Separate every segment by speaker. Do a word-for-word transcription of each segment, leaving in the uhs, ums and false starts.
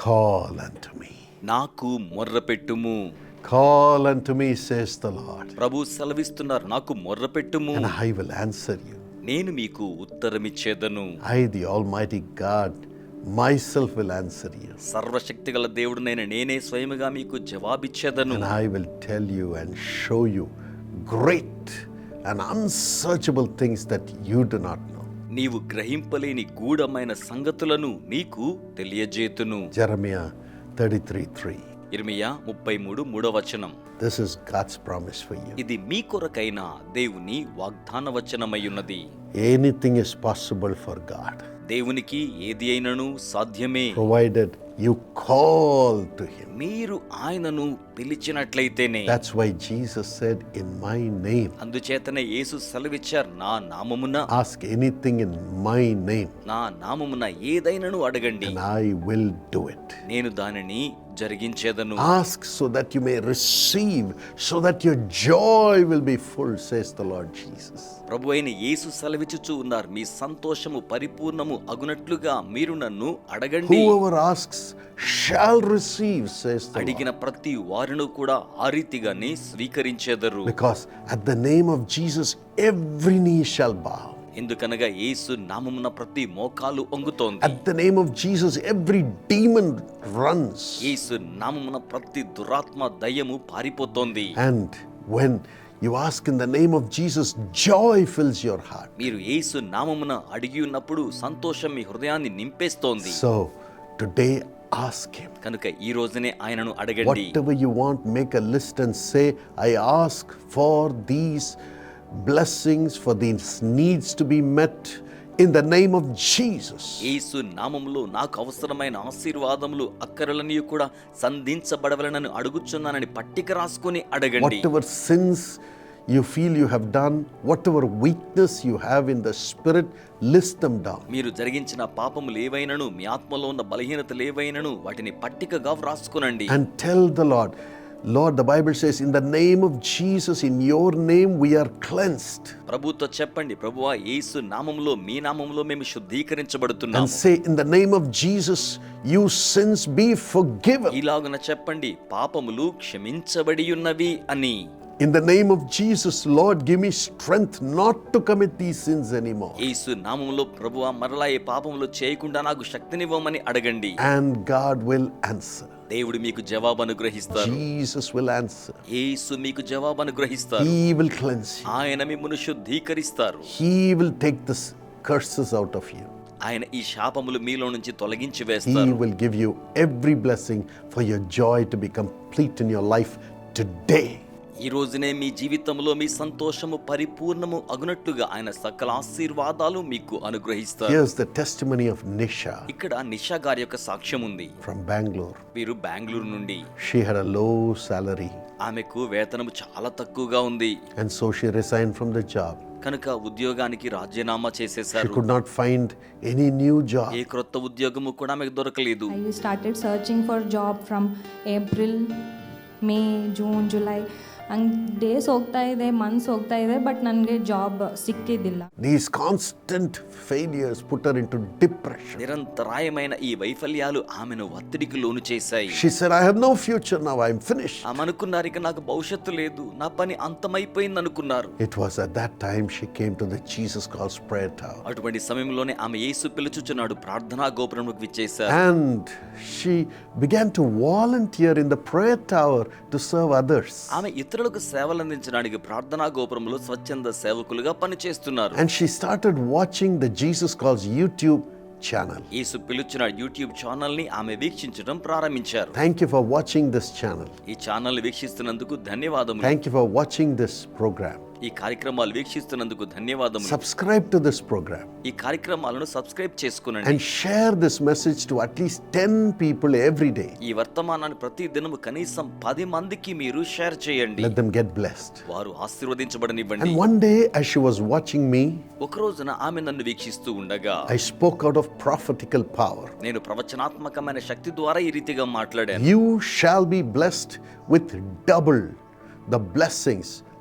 Speaker 1: Call unto me.
Speaker 2: నాకు మొర్రపెట్టుము.
Speaker 1: Call unto me, says the Lord,
Speaker 2: ప్రభు సెలవిస్తున్నారు, నాకు మొర్రపెట్టుము,
Speaker 1: and I will answer you.
Speaker 2: నేను మీకు ఉత్తరమిచ్చేదను.
Speaker 1: I, the Almighty God, myself will answer you.
Speaker 2: సర్వశక్తిగల దేవుడునైన నేనే స్వయముగా మీకు జవాబిచ్చేదను.
Speaker 1: And I will tell you and show you great and unsearchable things that you do not know.
Speaker 2: నీవు గ్రహింపలేని గూఢమైన సంగతులను నీకు తెలియజేతును.
Speaker 1: Jeremiah thirty-three three.
Speaker 2: ఇర్మియా ముప్పై మూడు మూడవ వచనం.
Speaker 1: This is God's promise for you.
Speaker 2: ఇది మీ కొరకైన దేవుని వాగ్దాన వచనమయ్యున్నది.
Speaker 1: Anything is possible for God,
Speaker 2: దేవునికి ఏది అయినను సాధ్యమే,
Speaker 1: provided you call to him.
Speaker 2: మీరు ఆయనను పిలిచినట్లయితేనే.
Speaker 1: That's why Jesus said, in my name.
Speaker 2: అందుచేతనే యేసు సెలవిచ్చారు, నా నామమున
Speaker 1: Ask anything in my name,
Speaker 2: నా నామమున ఏదైనను అడగండి,
Speaker 1: and I will do it.
Speaker 2: నేను దానిని జరిగించేదను.
Speaker 1: Ask so that you may receive, so that your joy will be full, says the Lord Jesus.
Speaker 2: ప్రభు అయిన యేసు సెలవిచ్చుచూ ఉన్నారు, మీ సంతోషము పరిపూర్ణము అగునట్లుగా మీరు నన్ను అడగండి.
Speaker 1: Whoever asks shall receive, says the Lord.
Speaker 2: అడిగిన ప్రతి వారిను కూడా ఆ రీతిగానే స్వీకరించెదరు.
Speaker 1: Because at the name of Jesus every knee shall bow.
Speaker 2: ఎందుకనగా యేసు నామమున ప్రతి మోకాలు వంగుతోంది.
Speaker 1: At the name of Jesus every demon runs.
Speaker 2: యేసు నామమున ప్రతి దురాత్మ దయ్యము పారిపోతోంది.
Speaker 1: And when you ask in the name of Jesus, joy fills your heart.
Speaker 2: మీరు యేసు నామమున అడిగి ఉన్నప్పుడు సంతోషం మీ హృదయాన్ని నింపేస్తోంది.
Speaker 1: So today ask him.
Speaker 2: కనుక ఈ రోజునే ఆయనను అడగండి.
Speaker 1: Whatever you want, make a list and say, I ask for these blessings, for these needs to be met in the name of Jesus.
Speaker 2: యేసు నామములో నాకు అవసరమైన ఆశీర్వాదములు అక్కరలన్నీ కూడా సంధించబడవలనని అడుగుచున్నానని పట్టిక రాసుకొని అడగండి.
Speaker 1: Whatever sins you feel you have done, whatever weakness you have in the spirit, list them down.
Speaker 2: మీరు జరిగించిన పాపములు ఏవైనను, మీ ఆత్మలో ఉన్న బలహీనతలు ఏవైనను వాటిని పట్టికగా వ్రాసుకొనండి.
Speaker 1: And tell the Lord, Lord, the Bible says, in the name of Jesus, in your name we are cleansed.
Speaker 2: ప్రభుతో చెప్పండి, ప్రభువా యేసు నామములో మీ నామములో మేము శుద్ధీకరించబడుతున్నాము.
Speaker 1: And say, in the name of Jesus, you sins be forgiven.
Speaker 2: ఇలాగున చెప్పండి, పాపములు క్షమించబడి ఉన్నవి అని.
Speaker 1: In the name of Jesus, Lord, give me strength not to commit these sins anymore.
Speaker 2: యేసు నామములో ప్రభువా మరలా ఈ పాపములు చేయకుండా నాకు శక్తినివ్వమని అడగండి.
Speaker 1: And God will answer.
Speaker 2: దేవుడు మీకు జవాబు అనుగ్రహిస్తారు.
Speaker 1: Jesus will answer.
Speaker 2: యేసు మీకు జవాబు అనుగ్రహిస్తారు.
Speaker 1: He will cleanse you.
Speaker 2: ఆయన మిమ్మును శుద్ధీకరిస్తారు.
Speaker 1: He will take the curses out of you.
Speaker 2: ఆయన ఈ శాపములు మీలో నుంచి తొలగించి
Speaker 1: He
Speaker 2: వేస్తారు.
Speaker 1: will give you every blessing for your joy to be complete in your life today.
Speaker 2: ఈ రోజునే మీ జీవితంలో మీ సంతోషము పరిపూర్ణము అగునట్లుగా ఆయన సకల ఆశీర్వాదాలు మీకు అనుగ్రహిస్తారు.
Speaker 1: Here's the testimony of Nisha
Speaker 2: ఇక్కడ నిషా గారి యొక్క సాక్ష్యం ఉంది.
Speaker 1: from Bangalore.
Speaker 2: వీరు బెంగళూరు నుండి.
Speaker 1: She had a low salary,
Speaker 2: ఆమెకు వేతనము చాలా తక్కువగా ఉంది.
Speaker 1: and so she resigned from the job.
Speaker 2: కనుక ఉద్యోగానికి రాజీనామా
Speaker 1: She
Speaker 2: చేసేశారు.
Speaker 1: could not find any new job.
Speaker 2: ఏ క్రొత్త ఉద్యోగము కూడా ఆమెకు దొరకలేదు.
Speaker 3: I started searching for job from April, May, June, July. ಹಂಗೆ ಡೇಸ್ ಹೋಗ್ತಾ ಇದೆ, ಮಂತ್ಸ್ ಹೋಗ್ತಾ ಇದೆ, ಬಟ್ ನನಗೆ ಜಾಬ್ ಸಿಕ್ಕಿದ್ದಿಲ್ಲ.
Speaker 1: These constant failures put her into depression.
Speaker 2: నిరంతరాయమైన ఈ వైఫల్యాలు ఆమెను ఒత్తిడికి లోను చేశాయి.
Speaker 1: She said, I have no future now, I'm finished.
Speaker 2: ఆమె అనుకున్నారు, ఇక నాకు భవిష్యత్తు లేదు, నా పని అంతమైపోయింది అనుకున్నారు.
Speaker 1: It was at that time she came to the Jesus Calls Prayer Tower.
Speaker 2: అటువంటి సమయంలోనే ఆమె యేసు పిలుచుచున్నాడు ప్రార్థనా గోపురంలోకి విచ్చేశారు.
Speaker 1: And she began to volunteer in the prayer tower to serve others.
Speaker 2: ఆమె ఇతరులకు సేవలు అందించడానికి ప్రార్థనా గోపురంలో స్వచ్ఛంద సేవకులుగా పనిచేస్తున్నారు.
Speaker 1: And she started watching the Jesus Calls YouTube channel.
Speaker 2: యేసు పిలుచున్న యూట్యూబ్ ఛానల్ ని ఆమె వీక్షించడం ప్రారంభించారు.
Speaker 1: Thank you for watching this channel.
Speaker 2: ఈ ఛానల్ వీక్షిస్తున్నందుకు ధన్యవాదములు.
Speaker 1: Thank you for watching this program.
Speaker 2: ఈ కార్యక్రమాలు వీక్షిస్తున్నందుకు ధన్యవాదములు.
Speaker 1: Subscribe to this program
Speaker 2: ఈ కార్యక్రమాలను సబ్స్క్రైబ్ చేసుకునండి.
Speaker 1: and share this message to at least ten people every day.
Speaker 2: ఈ వర్తమానాన్ని ప్రతి దినము కనీసం పది మందికి మీరు షేర్ చేయండి.
Speaker 1: Let them get blessed.
Speaker 2: వారు ఆశీర్వదించబడనివ్వండి.
Speaker 1: And one day, as she was watching me,
Speaker 2: ఒక రోజున ఆమె నన్ను వీక్షిస్తూ ఉండగా
Speaker 1: I spoke out of prophetical power.
Speaker 2: నేను ప్రవచనాత్మకమైన శక్తి ద్వారా ఈ రీతిగా మాట్లాడాను.
Speaker 1: You shall be blessed with double the blessings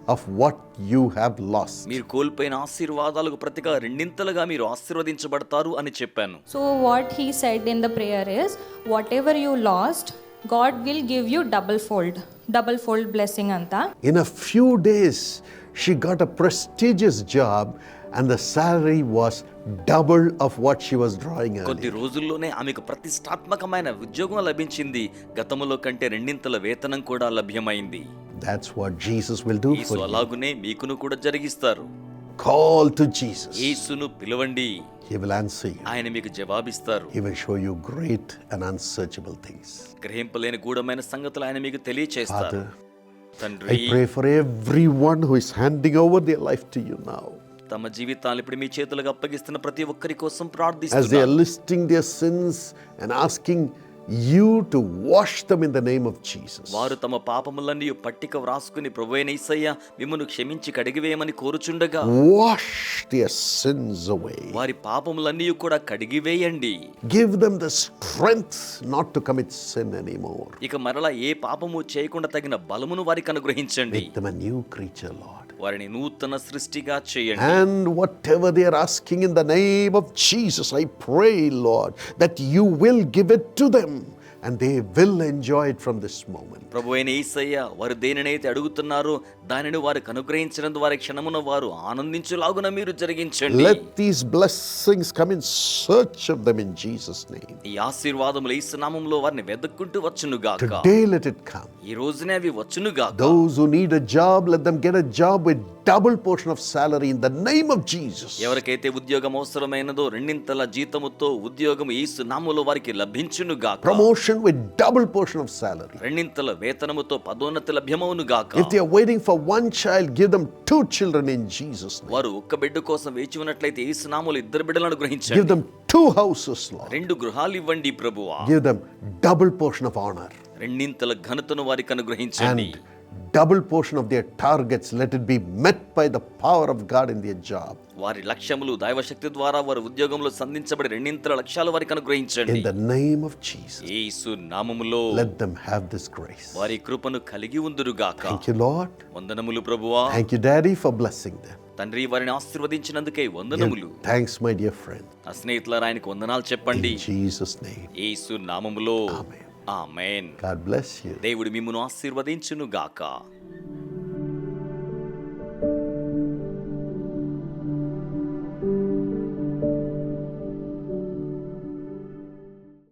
Speaker 1: of what you have lost.
Speaker 2: మీరు కోల్పోయిన ఆశీర్వాదాలకు ప్రతిగా రెండింతలుగా మీరు ఆశీర్వదించబడతారు అని చెప్పాను.
Speaker 3: So what he said in the prayer is, whatever you lost, God will give you double fold, double fold blessing anta.
Speaker 1: In a few days, she got a prestigious job and the salary was double of what she was drawing
Speaker 2: కొద్ది
Speaker 1: earlier.
Speaker 2: రోజుల్లోనే ఆమెకు ప్రతిష్టాత్మకమైన ఉద్యోగం లభించింది. గతంలో కంటే రెండింతల వేతనం కూడా లభ్యమైంది.
Speaker 1: That's what Jesus will do
Speaker 2: Yesu
Speaker 1: for you.
Speaker 2: అలాగునే మీకును కూడా జరిగిస్తారు.
Speaker 1: Call to Jesus.
Speaker 2: యేసును పిలవండి,
Speaker 1: He will answer you.
Speaker 2: ఆయన మీకు జవాబిస్తారు.
Speaker 1: He will show you great and unsearchable things.
Speaker 2: గ్రహింపలేని గూఢమైన సంగతులు ఆయన మీకు తెలియచేస్తారు.
Speaker 1: Father,
Speaker 2: తండ్రి,
Speaker 1: I pray for everyone who is handing over their life to you now.
Speaker 2: తమ జీవితాలు ఇప్పుడు మీ చేతులకు అప్పగిస్తున్న ప్రతి ఒక్కరి కోసం
Speaker 1: As they are
Speaker 2: ప్రార్థిస్తున్నాను.
Speaker 1: listing their sins and asking you to wash them in the name of Jesus.
Speaker 2: వారు తమ పాపములన్నీ పట్టిక వ్రాసుకుని ప్రభువైన యేసయ్య మిమ్మును క్షమించి కడిగివేయమని కోరుచుండగా
Speaker 1: Wash their sins away.
Speaker 2: వారి పాపములన్నీ కూడా కడిగివేయండి.
Speaker 1: Give them the strength not to commit sin anymore.
Speaker 2: ఇక మరలా ఏ పాపము చేయకుండా తగిన బలమును వారికి అనుగ్రహించండి.
Speaker 1: Make them a new creature, Lord.
Speaker 2: వారిని నూతన సృష్టిగా చేయండి.
Speaker 1: And whatever they are asking in the name of Jesus, I pray, Lord, that you will give it to them and they will enjoy it from this moment.
Speaker 2: ప్రభువైన యేసయ్య వారు దేనినైతే అడుగుతున్నారో దానిని వారికి అనుగ్రహించినందు వారి క్షణమున వారు ఆనందించులాగున మీరు జరిగించండి.
Speaker 1: Let these blessings come in search of them in Jesus' name.
Speaker 2: ఈ ఆశీర్వాదములు యేసు నామములో వారిని వెదక్కుంటూ వచ్చును గాక.
Speaker 1: Today let it come.
Speaker 2: ఈ రోజునే అవి వచ్చును గాక.
Speaker 1: Those who need a job, let them get a job with double portion of salary in the name of Jesus.
Speaker 2: ఎవరికైతే ఉద్యోగం అవసరమైనదో రెండింతల జీతముతో ఉద్యోగం యేసు నామములో వారికి లభించును గాక.
Speaker 1: Promotion with double portion of salary.
Speaker 2: రెండింతల వేతనముతో పదోన్నతి లభ్యమవును గాక.
Speaker 1: If they are waiting for one child, give them two children in Jesus' name.
Speaker 2: వారు ఒక్క బిడ్డ కోసం వేచి ఉన్నట్లయితే యేసు నామములో ఇద్దరు బిడ్డలను
Speaker 1: Give
Speaker 2: అనుగ్రహించండి.
Speaker 1: them two houses, Lord.
Speaker 2: రెండు గృహాలు ఇవ్వండి ప్రభువా.
Speaker 1: Give them double portion of honor
Speaker 2: రెండింతల ఘనతను వారికి అనుగ్రహించండి.
Speaker 1: and double portion of their targets. Let it be met by the power of God in their job.
Speaker 2: వారి లక్ష్యములు దైవశక్తి ద్వారా వారి ఉద్యోగంలో సంధించబడి రెండింతల లక్ష్యాలు వారికి అనుగ్రహించండి.
Speaker 1: In the name of Jesus,
Speaker 2: యేసు నామములో
Speaker 1: let them have this grace.
Speaker 2: వారి కృపను కలిగి ఉందురుగాక.
Speaker 1: Thank you, Lord.
Speaker 2: వందనములు ప్రభువా.
Speaker 1: Thank you, Daddy, for blessing them.
Speaker 2: తండ్రి, వారిని ఆశీర్వదించినందుకే వందనములు.
Speaker 1: Give thanks, my dear friend.
Speaker 2: నా స్నేహితులారా ఆయనకు వందనాలు చెప్పండి.
Speaker 1: In Jesus' name.
Speaker 2: యేసు నామములో
Speaker 1: Amen.
Speaker 2: Amen.
Speaker 1: God bless you.
Speaker 2: దేవుడు మిమ్మును ఆశీర్వదించును గాక.